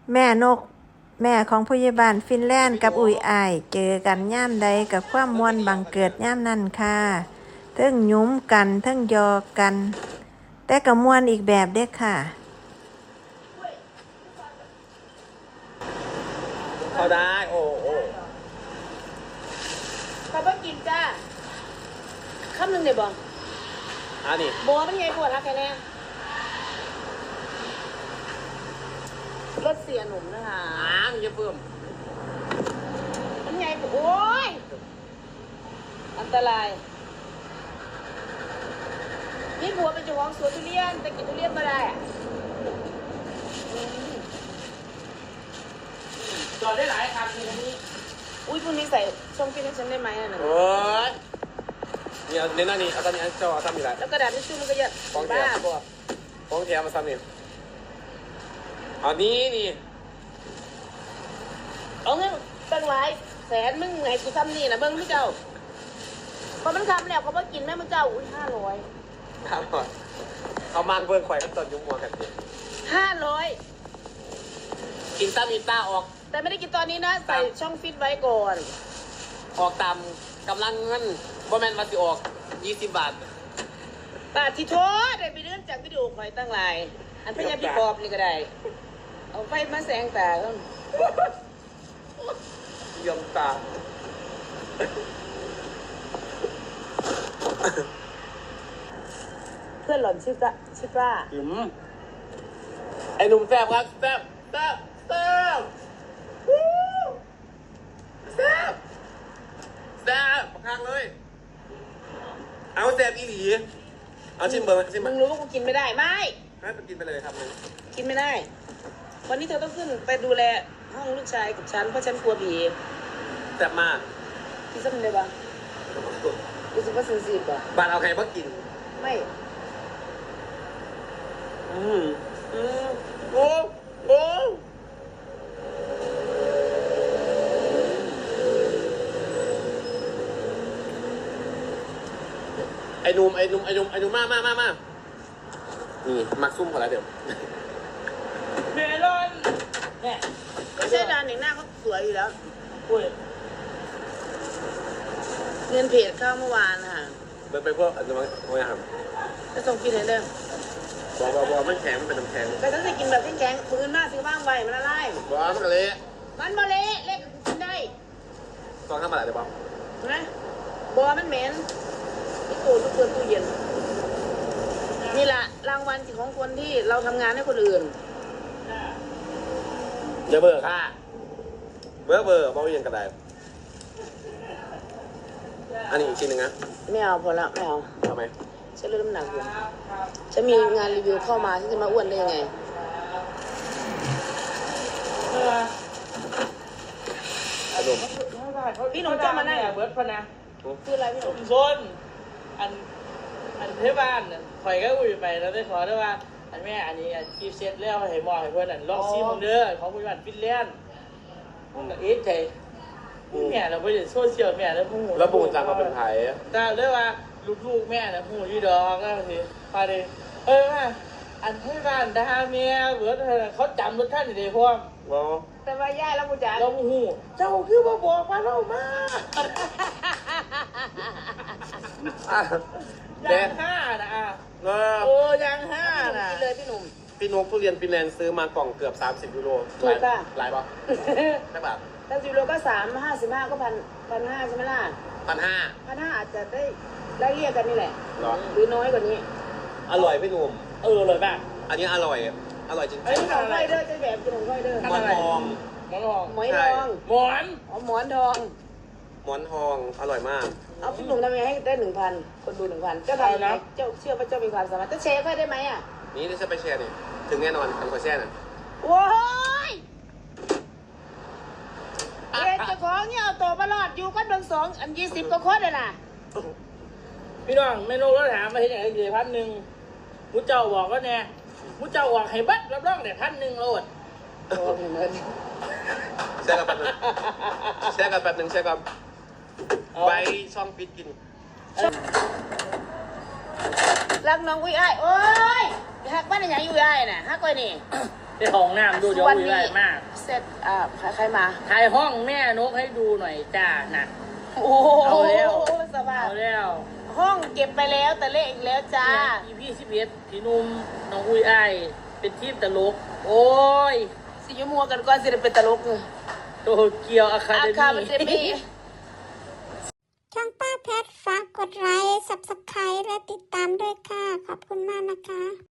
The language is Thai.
แม่นกแม่ของผู้ใหญ่บ้านฟินแลนด์กับอุ้ยอ้ายเจอกันย่ามใดกับความม่วนบังเกิดย่ามนั่นค่ะเทิงหยุ้มกันเทิงยอกัน แต่ก็ม่วนอีกแบบเด้อค่ะเขาได้โอ้เขาบ่กินจ้าคำหนึ่งเดี๋ยวบอกนี่บัวมันไงบัวทักแค่แน่รถเสียหนุ่มนะคะมันจะเพิ่มมันไงโอ้ยอันตรายนี่บัวเป็นเจ้าของสวนทุเรียนแต่กินทุเรียนไม่ได้จอดได้หลายคันในนี้อุ้ยพรุ่งนี้ใส่ช่องฟิตให้ฉันได้ไหมอ่ะหนึ่งโอ้ยเนี่ยในหน้านี้เอาตอนนี้เจ้าซ้ำอีกแล้วแล้วกระดาษทิชชู่มันก็เยอะบ้าบัวฟ้องแถมมาซ้ำนี่เอานี่เอาเงินตั้งหลายแสนมึงไงกูทำนี่นะเบิ้งพี่เจ้าพอมันทำแล้วเขาบอกกินแม่มึงเจ้าอุ้ย500 เขามากเบิ้งข่อยกันตอนยุ่งมัวกันดิ 500 กินซ้ำมีตาออกแต่ไม่ได้กินตอนนี้นะใส่ช่องฟิตไว้ก่อนออกตามกำลังเงินบ่แมนมาสิออก20 บาทบาทที่โทษได้ไปเรื่องจากวิดีโอคอยตั้งหลายอันพยายามพี่ปอบนี่ก็ได้เอาไฟมาแสงตาเขายมตาเพื่อนหล่อนชื่อป้าไอ้หนุ่มแซ่บครับแซ่บข้างเลยเอาแซ่บอีหลีเอาชิมเบอร์ชิมมึงรู้ว่ากูกินไม่ได้ไม่ให้ไปกินไปเลยครับมึงกินไม่ได้วันนี้เธอต้องขึ้นไปดูแลห้องลูกชายกับฉันเพราะฉันกลัวผีแซ่บมากพี่ซ้ำเลยปะรู้สึกว่าเซนซิทีฟปะบ้านเอาใครมากินไม่โอ้ไอ้หนุ่มมานี่มักซุ่มพอแล้วเดี๋ยวเมลอนเนี่ยไม่ใช่ร้านหนึ่งหน้าเขาสวยอยู่แล้วเงินเพจเข้าเมื่อวานค่ะไปพวกอันนั้นไม่ครับจะส่งกินให้เด้อบอกไม่แข็งมันเป็นน้ำแข็งแต่ต้องกินแบบแข็งๆปืนหน้าซื้อบ้างไว้มันละลายบอกมันเละมันมาเละเละกินได้ตอนข้ามมาไหนเดี๋ยวบอกนะบัวมันเหม็นที่ตู้ทุกเปิดตู้เย็นนี่แหละรางวัลของคนที่เราทำงานให้คนอื่นเดี๋ยวเบอร์ค่ะเบอร์บอกยังกระไดอันนี้อีกชิ้นหนึ่งนะไม่เอาพอละไม่เอาทำไมฉันเริ่มหนักอยู่ฉันมีงานรีวิวเข้ามาฉันจะมาอ้วนได้ยังไงพี่หนุ่มจะมาไหนเบิร์ดพนะคืออะไรพี่หนุ่มโซนอันเทบ้านข่อยก็อุ้ยไปแล้วได้ขอได้ว่าอันแม่อันนี้กีฟเซ็ตแล้วให้หมอให้เพื่อนลองซีมึงเด้อของผู้บ้านฟินแลนด์มึงก็เอ๊ะใจแม่เราไปโซเชียลแม่แล้วพูดแล้วปูนจังมาเป็นไทยแต่เรียกว่าลูกแม่นะพูดยี่ดอกก็ทีพาดิอันให้บ้านดาเมียเบิร์ดเขาจำรถท่านอยู่ในพวกแต่ว่าย่าแล้วกูจ๋าเราหูเจ้าคือมาบอกมาเรามายัง5นะยัง5นะเลยพี่หนุ่มพี่นกทุเรียนฟินแลนด์ซื้อมากล่องเกือบ30 ยูโรถูกป่ะหลายป่ะแค่บาท 30 ยูโรก็355ก็1,500ใช่ไหมล่ะ1,500อาจจะได้เรียกกันนี่แหละหรือน้อยกว่านี้อร่อยพี่หนุ่มอร่อยมากอันนี้อร่อยจริงๆขนมไข่เด้อจะแบบขนมไข่เด้อหมอนทองหมอนทองหมอนทองอร่อยมากเอาพี่หนุ่มทำยังไงให้ได้ 1,000 คนดู 1,000เจ้าทำนะเจ้าเชื่อว่าเจ้ามีความสามารถจะแชร์ค่อยได้ไหมอ่ะนี่จะไปแชร์นี่ถึงแน่นอนทำขอแชร์น่ะโอ้ยเจ้าของเนี่ยเอาตัวมาหลอดอยู่กันเบิ่ง2 อัน20 ก็โคตรเลยน่ะพี่น้องเมนูเราถามมาที่ไหนกี่1,000มุ้เจ้าบอกก็เนี่ยมุ้เจ้าบอกให้บัดรับรองเนี่ย1,000โลดแชร์กันแป๊บนึงไปช่องฟิตกินรักน้องอุ้ยอ้ายโอ้ยหักบ้านอย่างอยู่อ้ายน่ะหักก้อยนี่ได้ห้องน้ำดูเดี๋ยวอุ้ยไอ้มากเสร็จใครมาถ่ายห้องแม่นกให้ดูหน่อยจ้าน่ะโอ้โหเอาแล้วสบายเอาแล้วห้องเก็บไปแล้วแต่เลขอีกแล้วจ้าพี่11พี่นุ่มน้องอุ้ยไอ้เป็นทีมตลกโอ้ยสิยมัวกันก่อนสิได้เป็นตลกเลยโตเกียวอะคาอาเดคาเดมี่มี่ช่องป้าเพชรฝากกดไลค์ Subscribe และติดตามด้วยค่ะ ขอบคุณมากนะคะ